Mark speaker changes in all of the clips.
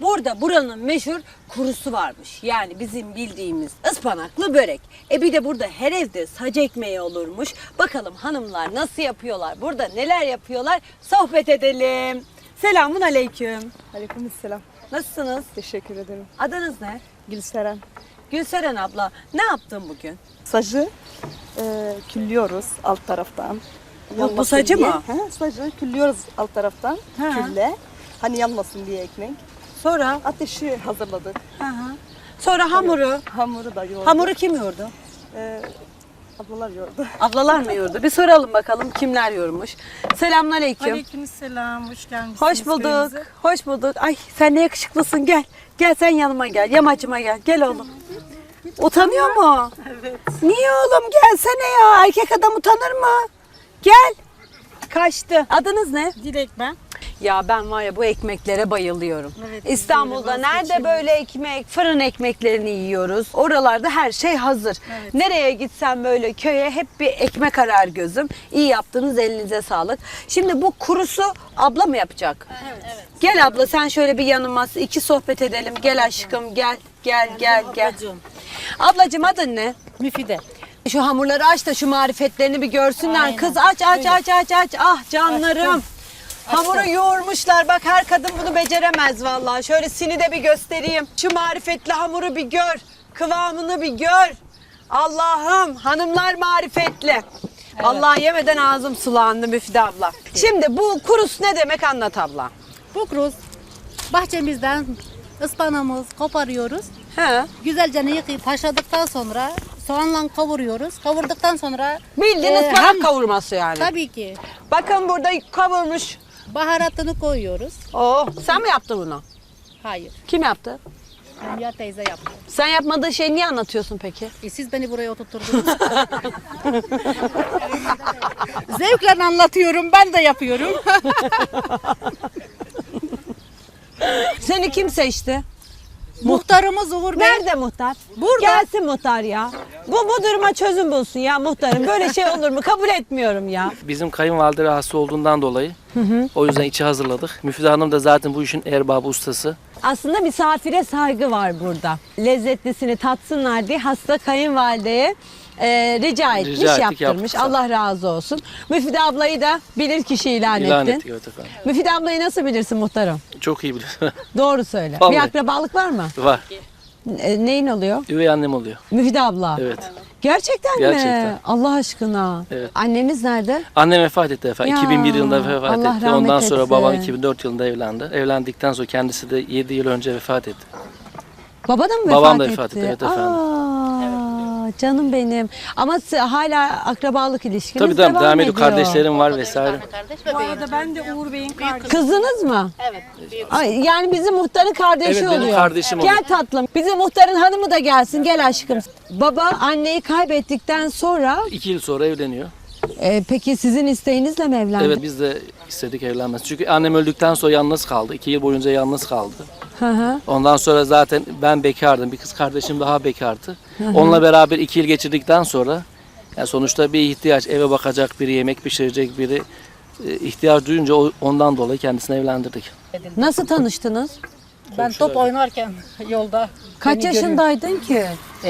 Speaker 1: Burada buranın meşhur kurusu varmış. Yani bizim bildiğimiz ıspanaklı börek. Bir de burada her evde sac ekmeği olurmuş. Bakalım hanımlar nasıl yapıyorlar? Burada neler yapıyorlar? Sohbet edelim. Selamun aleyküm.
Speaker 2: Aleykümselam.
Speaker 1: Nasılsınız?
Speaker 2: Teşekkür ederim.
Speaker 1: Adınız ne?
Speaker 2: Gülseren.
Speaker 1: Gülseren abla. Ne yaptın bugün?
Speaker 2: Sacı küllüyoruz alt taraftan.
Speaker 1: Bu
Speaker 2: Yanmasın
Speaker 1: sacı
Speaker 2: diye.
Speaker 1: mı?
Speaker 2: He, sacı küllüyoruz alt taraftan.
Speaker 1: Ha.
Speaker 2: Külle. Hani yanmasın diye ekmek.
Speaker 1: Sonra?
Speaker 2: Ateşi hazırladık.
Speaker 1: Hı hı. Sonra hamuru.
Speaker 2: Hamuru da yoğurduk.
Speaker 1: Hamuru kim yoğurdu?
Speaker 2: Ablalar yoğurdu.
Speaker 1: Ablalar mı yoğurdu? Bir soralım bakalım kimler yoğurmuş. Selamünaleyküm.
Speaker 3: Aleykümselam, hoş geldiniz.
Speaker 1: Hoş bulduk. Hoş bulduk. Ay sen ne yakışıklısın gel. Gel sen yanıma gel. Yamacıma gel. Gel oğlum. Utanıyor mu?
Speaker 3: Evet.
Speaker 1: Niye oğlum gelsene ya. Erkek adam utanır mı? Gel. Kaçtı. Adınız ne?
Speaker 3: Dilek ben.
Speaker 1: Ya ben var ya bu ekmeklere bayılıyorum.
Speaker 3: Evet,
Speaker 1: İstanbul'da
Speaker 3: biz de
Speaker 1: nerede böyle ekmek, fırın ekmeklerini yiyoruz. Oralarda her şey hazır.
Speaker 3: Evet.
Speaker 1: Nereye gitsem böyle köye hep bir ekmek arar gözüm. İyi yaptınız, elinize sağlık. Şimdi bu kurusu abla mı yapacak?
Speaker 3: Evet.
Speaker 1: Gel abla sen şöyle bir yanıma iki sohbet edelim. Gel aşkım gel. Gel. Ablacığım adın ne?
Speaker 3: Müfide.
Speaker 1: Şu hamurları aç da şu marifetlerini bir görsünler.
Speaker 3: Aynen.
Speaker 1: Kız aç. Ah canlarım. Hamuru yoğurmuşlar. Bak her kadın bunu beceremez vallahi. Şöyle sini de bir göstereyim. Şu marifetli hamuru bir gör. Kıvamını bir gör. Allah'ım hanımlar marifetli. Allah yemeden ağzım sulandı Müfide abla. Şimdi bu kurus ne demek anlat abla.
Speaker 3: Bu kruz bahçemizden ıspanağımız koparıyoruz.
Speaker 1: He.
Speaker 3: Güzelce yıkayıp haşladıktan sonra soğanla kavuruyoruz. Kavurduktan sonra
Speaker 1: Bildiğin ıspanak kavurması yani.
Speaker 3: tabii ki
Speaker 1: Bakın burada kavurmuş.
Speaker 3: baharatını koyuyoruz.
Speaker 1: Oh, sen mi yaptın bunu?
Speaker 3: Hayır.
Speaker 1: Kim yaptı?
Speaker 3: Hülya teyze yaptı.
Speaker 1: Sen yapmadığın şeyi niye anlatıyorsun peki?
Speaker 3: Siz beni buraya oturtturdunuz. Zevkle anlatıyorum. Ben de yapıyorum.
Speaker 1: Seni kim seçti?
Speaker 3: Muhtarımız Uğur Bey.
Speaker 1: Nerede muhtar?
Speaker 3: Burada.
Speaker 1: Gelsin muhtar ya. Bu duruma çözüm bulsun ya muhtarım. Böyle şey olur mu? Kabul etmiyorum ya.
Speaker 4: Bizim kayınvalide rahatsız olduğundan dolayı o yüzden içi hazırladık. Müfide Hanım da zaten bu işin erbabı, ustası.
Speaker 1: Aslında misafire saygı var burada. Lezzetlisini tatsınlar diye hasta kayınvalideye rica etmiş,
Speaker 4: ettik,
Speaker 1: yaptırmış.
Speaker 4: yaptık.
Speaker 1: Allah razı olsun. Müfide ablayı da bilir kişi ilan
Speaker 4: İlan
Speaker 1: ettin.
Speaker 4: ettik, evet efendim.
Speaker 1: Müfide ablayı nasıl bilirsin muhtarım?
Speaker 4: Çok iyi biliyor.
Speaker 1: Doğru söyle.
Speaker 4: Vallahi.
Speaker 1: Bir akrabalık var mı?
Speaker 4: Var.
Speaker 1: Neyin oluyor?
Speaker 4: Üvey annem oluyor.
Speaker 1: Müfide abla.
Speaker 4: Evet.
Speaker 1: Gerçekten mi?
Speaker 4: Gerçekten.
Speaker 1: Allah aşkına.
Speaker 4: Evet.
Speaker 1: Anneniz nerede?
Speaker 4: Annem vefat etti efendim.
Speaker 1: Ya,
Speaker 4: 2001 yılında vefat
Speaker 1: Allah
Speaker 4: etti.
Speaker 1: rahmet
Speaker 4: Ondan sonra
Speaker 1: etsin.
Speaker 4: babam 2004 yılında evlendi. Evlendikten sonra kendisi de 7 yıl önce vefat etti.
Speaker 1: Baba da mı
Speaker 4: Babam da
Speaker 1: etti?
Speaker 4: vefat etti, evet efendim.
Speaker 1: Canım benim. Ama hala akrabalık ilişkiniz
Speaker 4: Tabii devam ediyor.
Speaker 1: ediyor.
Speaker 4: Kardeşlerim var vesaire.
Speaker 3: Bu arada ben de Uğur Bey'in kardeşi.
Speaker 1: Kızınız mı?
Speaker 3: Evet. Büyük.
Speaker 1: Ay, yani bizim muhtarın kardeşi
Speaker 4: Evet, benim
Speaker 1: oluyor.
Speaker 4: kardeşim
Speaker 1: Gel
Speaker 4: oluyor.
Speaker 1: tatlım. Bizim muhtarın hanımı da gelsin. Gel aşkım. Baba anneyi kaybettikten sonra
Speaker 4: 2 yıl sonra evleniyor.
Speaker 1: peki sizin isteğinizle mi evlendi?
Speaker 4: Evet, biz de istedik evlenmesi. Çünkü annem öldükten sonra yalnız kaldı. 2 yıl boyunca yalnız kaldı.
Speaker 1: Hı hı.
Speaker 4: Ondan sonra zaten ben bekardım. Bir kız kardeşim daha bekardı. Onunla beraber 2 yıl geçirdikten sonra yani sonuçta bir ihtiyaç, eve bakacak biri, yemek pişirecek biri ihtiyaç duyunca ondan dolayı kendisini evlendirdik.
Speaker 1: Nasıl tanıştınız?
Speaker 3: Ben top oynarken yolda.
Speaker 1: Kaç
Speaker 3: beni görüyor.
Speaker 1: yaşındaydın ki?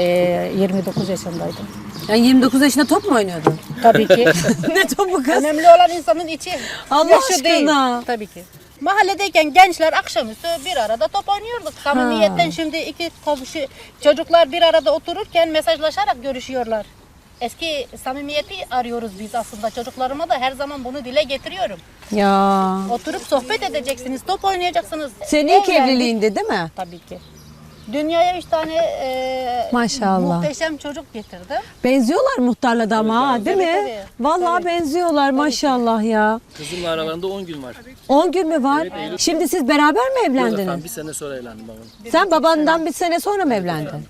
Speaker 3: 29 yaşındaydım.
Speaker 1: Yani 29 yaşında top mu oynuyordun?
Speaker 3: Tabii ki.
Speaker 1: Ne topu kız?
Speaker 3: Önemli olan insanın içi.
Speaker 1: Allah
Speaker 3: yaşı
Speaker 1: aşkına.
Speaker 3: değil. Tabii ki. Mahalledeyken gençler akşamüstü bir arada top oynuyorduk. Samimiyetten şimdi iki komşu çocuklar bir arada otururken mesajlaşarak görüşüyorlar. Eski samimiyeti arıyoruz biz aslında. Çocuklarıma da her zaman bunu dile getiriyorum.
Speaker 1: Ya.
Speaker 3: Oturup sohbet edeceksiniz, top oynayacaksınız.
Speaker 1: Senin ilk
Speaker 3: Evlendik.
Speaker 1: evliliğinde değil mi?
Speaker 3: Tabii ki. Dünyaya 3 tane
Speaker 1: Maşallah.
Speaker 3: muhteşem çocuk getirdim.
Speaker 1: Benziyorlar muhtarla da ama ha, değil mi?
Speaker 3: Tabii.
Speaker 1: Vallahi
Speaker 3: Tabii.
Speaker 1: benziyorlar maşallah ya.
Speaker 4: Kızımla aralarında 10 gün var.
Speaker 1: 10 gün mü var? Şimdi siz beraber mi
Speaker 4: Yok
Speaker 1: evlendiniz?
Speaker 4: efendim, bir sene sonra evlendim babam.
Speaker 1: Sen babandan bir sene sonra mı evlendin?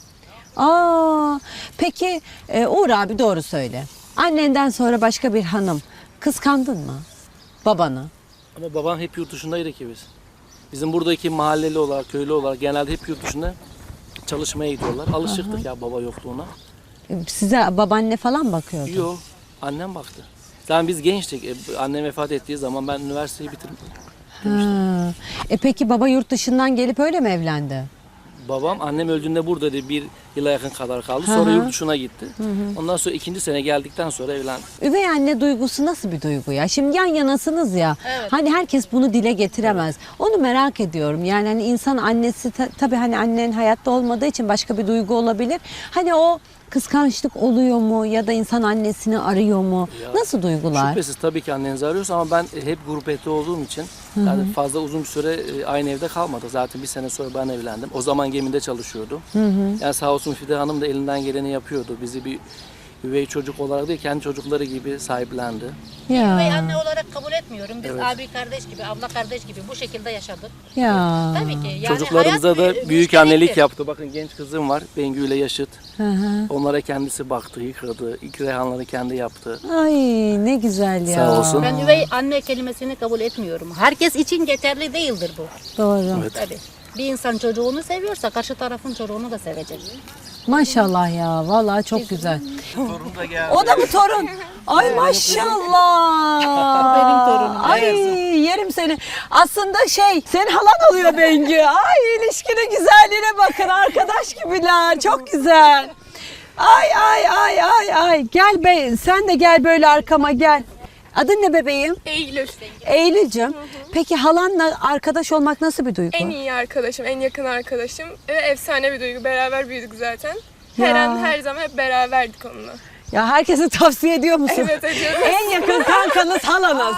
Speaker 1: Aa, peki Uğur abi doğru söyle. Annenden sonra başka bir hanım kıskandın mı babanı?
Speaker 4: Ama babam hep yurt dışındaydı ki biz. Bizim buradaki mahalleli olarak, köylü olarak genelde hep yurt dışında çalışmaya gidiyorlar. Alışıktık ya baba yokluğuna.
Speaker 1: Size babaanne falan bakıyordu.
Speaker 4: Yok, annem baktı. Zaten biz gençtik. Annem vefat ettiği zaman ben üniversiteyi bitirdim.
Speaker 1: Ha. Peki baba yurt dışından gelip öyle mi evlendi?
Speaker 4: Babam annem öldüğünde buradaydı. 1 yıla yakın kadar kaldı. Sonra yurt dışına gitti. Ondan sonra 2. sene geldikten sonra evlendi.
Speaker 1: Üvey anne duygusu nasıl bir duygu ya? Şimdi yan yanasınız ya.
Speaker 3: Evet.
Speaker 1: Hani herkes bunu dile getiremez. Onu merak ediyorum. Yani hani insan annesi tabii hani annen hayatta olmadığı için başka bir duygu olabilir. Hani o kıskançlık oluyor mu ya da insan annesini arıyor mu? Nasıl duygular?
Speaker 4: Şüphesiz tabii ki annenizi arıyoruz ama ben hep grup eti olduğum için yani fazla uzun bir süre aynı evde kalmadık. Zaten 1 sene sonra ben evlendim. O zaman gemide çalışıyordum. Yani sağ olsun Fide Hanım da elinden geleni yapıyordu. Bizi bir üvey çocuk olarak değil, kendi çocukları gibi sahiplendi.
Speaker 1: Ya.
Speaker 3: Üvey anne olarak kabul etmiyorum. Biz abi kardeş gibi, abla kardeş gibi bu şekilde yaşadık.
Speaker 1: Ya.
Speaker 3: Tabii ki. Yani
Speaker 4: Çocuklarımıza
Speaker 3: hayat
Speaker 4: da
Speaker 3: bir
Speaker 4: büyük
Speaker 3: müşterektir.
Speaker 4: annelik yaptı. Bakın genç kızım var, Bengü ile yaşıt.
Speaker 1: Hı hı.
Speaker 4: Onlara kendisi baktı, yıkadı. İlk reyhanları kendi yaptı.
Speaker 1: Ay ne güzel ya.
Speaker 4: Sağ olsun.
Speaker 3: Ben üvey anne kelimesini kabul etmiyorum. Herkes için geçerli değildir bu.
Speaker 1: Doğru.
Speaker 4: Evet.
Speaker 3: Tabii. Bir insan çocuğunu seviyorsa karşı tarafın çocuğunu da sevecek.
Speaker 1: Maşallah ya. Vallahi çok güzel.
Speaker 4: Torun da geldi.
Speaker 1: O da mı torun? Ay maşallah.
Speaker 3: Benim torunum.
Speaker 1: Ay yerim seni. Aslında senin halan oluyor Bengü. Ay ilişkinin güzelliğine bakın. Arkadaş gibiler. Çok güzel. Ay ay ay ay ay. Gel be, sen de gel böyle arkama gel. Adın ne bebeğim?
Speaker 5: Eylül.
Speaker 1: Eylül'cüm. Peki halanla arkadaş olmak nasıl bir duygu?
Speaker 5: En iyi arkadaşım, en yakın arkadaşım ve efsane bir duygu. Beraber büyüdük zaten.
Speaker 1: Ya.
Speaker 5: Her an, her zaman hep beraberdik onunla.
Speaker 1: Ya herkese tavsiye ediyor musun?
Speaker 5: Evet, ediyorum.
Speaker 1: En yakın kankanız halanız.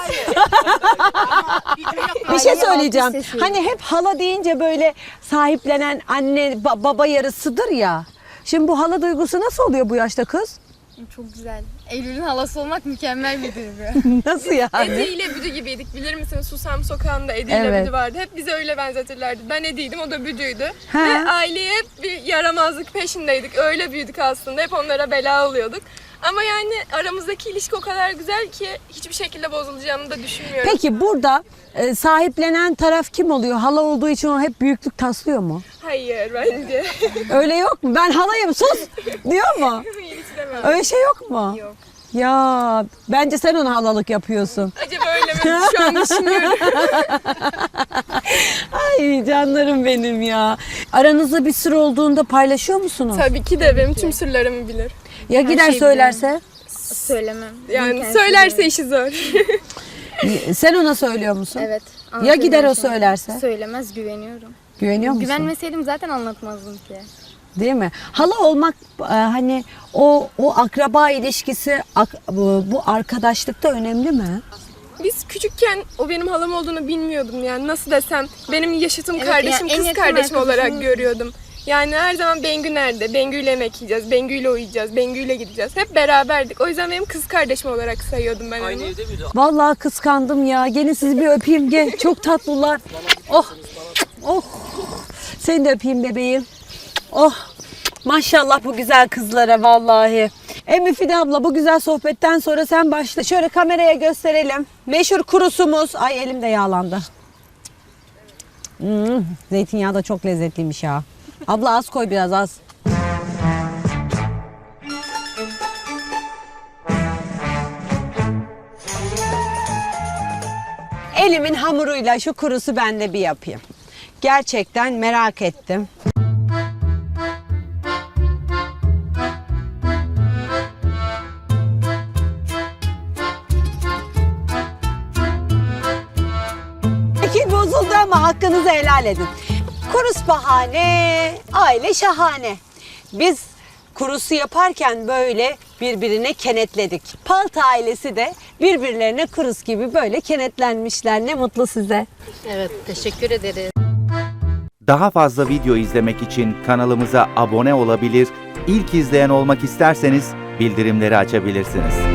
Speaker 1: Bir şey söyleyeceğim. Hani hep hala deyince böyle sahiplenen anne baba yarısıdır ya. Şimdi bu hala duygusu nasıl oluyor bu yaşta kız?
Speaker 6: Çok güzel. Eylül'ün halası olmak mükemmel bir duygu.
Speaker 1: Nasıl yani?
Speaker 5: Edi ile Büdü gibiydik. Bilir misin? Susam Sokağı'nda Edi ile
Speaker 1: Evet.
Speaker 5: Büdü vardı. Hep bize öyle benzetirlerdi. Ben Edi'ydim, o da Büdü'ydü.
Speaker 1: Ha.
Speaker 5: Ve aileye hep bir yaramazlık peşindeydik. Öyle büyüdük aslında. Hep onlara bela oluyorduk. Ama yani aramızdaki ilişki o kadar güzel ki hiçbir şekilde bozulacağını da düşünmüyorum.
Speaker 1: Peki burada sahiplenen taraf kim oluyor? Hala olduğu için o hep büyüklük taslıyor mu?
Speaker 5: Hayır bence.
Speaker 1: Öyle yok mu? Ben halayım sus diyor mu?
Speaker 5: Hiç demem.
Speaker 1: Öyle şey yok mu?
Speaker 5: Yok.
Speaker 1: Ya bence sen ona halalık yapıyorsun.
Speaker 5: Acaba öyle mi? Şu an düşünüyorum.
Speaker 1: Ay canlarım benim ya. Aranızda bir sır olduğunda paylaşıyor musunuz?
Speaker 5: Tabii ki de benim tüm sırlarımı bilir.
Speaker 1: Ya gider
Speaker 6: şeyi
Speaker 1: söylerse?
Speaker 6: Söylemem.
Speaker 5: Yani
Speaker 6: Kendisi
Speaker 5: söylerse
Speaker 6: bilir.
Speaker 5: işi zor.
Speaker 1: Sen ona söylüyor musun?
Speaker 6: Evet.
Speaker 1: Ya
Speaker 6: anlatırım
Speaker 1: gider o
Speaker 6: her şeyi.
Speaker 1: söylerse?
Speaker 6: Söylemez, güveniyorum.
Speaker 1: Güveniyor musun?
Speaker 6: Güvenmeseydim zaten anlatmazdım ki.
Speaker 1: Değil mi? Hala olmak hani o akraba ilişkisi bu arkadaşlıkta önemli mi?
Speaker 5: Biz küçükken o benim halam olduğunu bilmiyordum yani nasıl desem. Benim yaşıtım
Speaker 6: Evet,
Speaker 5: kardeşim,
Speaker 6: yani en
Speaker 5: kız
Speaker 6: yakın
Speaker 5: kardeşim olarak
Speaker 6: arkadaşım-
Speaker 5: görüyordum. Yani her zaman Bengü nerede? Bengü'yle yemek yiyeceğiz, Bengü'yle uyuyacağız, Bengü'yle gideceğiz. Hep beraberdik. O yüzden benim kız kardeşim olarak sayıyordum ben onu.
Speaker 4: Aynı evde miydi?
Speaker 1: Vallahi kıskandım ya. Gelin sizi bir öpeyim gel. Çok tatlılar. Oh. Oh. Seni de öpeyim bebeğim. Oh. Maşallah bu güzel kızlara vallahi. Emmi Fide abla bu güzel sohbetten sonra sen başla. Şöyle kameraya gösterelim. Meşhur kurusumuz. Ay elim de yağlandı. Zeytinyağı da çok lezzetliymiş ya. Abla az koy biraz az. Elimin hamuruyla şu kurusu ben de bir yapayım. Gerçekten merak ettim. Şekil bozuldu ama hakkınızı helal edin. Kurus bahane, aile şahane. Biz kurusu yaparken böyle birbirine kenetledik. Palta ailesi de birbirlerine kurus gibi böyle kenetlenmişler. Ne mutlu size.
Speaker 3: Evet, teşekkür ederiz.
Speaker 7: Daha fazla video izlemek için kanalımıza abone olabilir, ilk izleyen olmak isterseniz bildirimleri açabilirsiniz.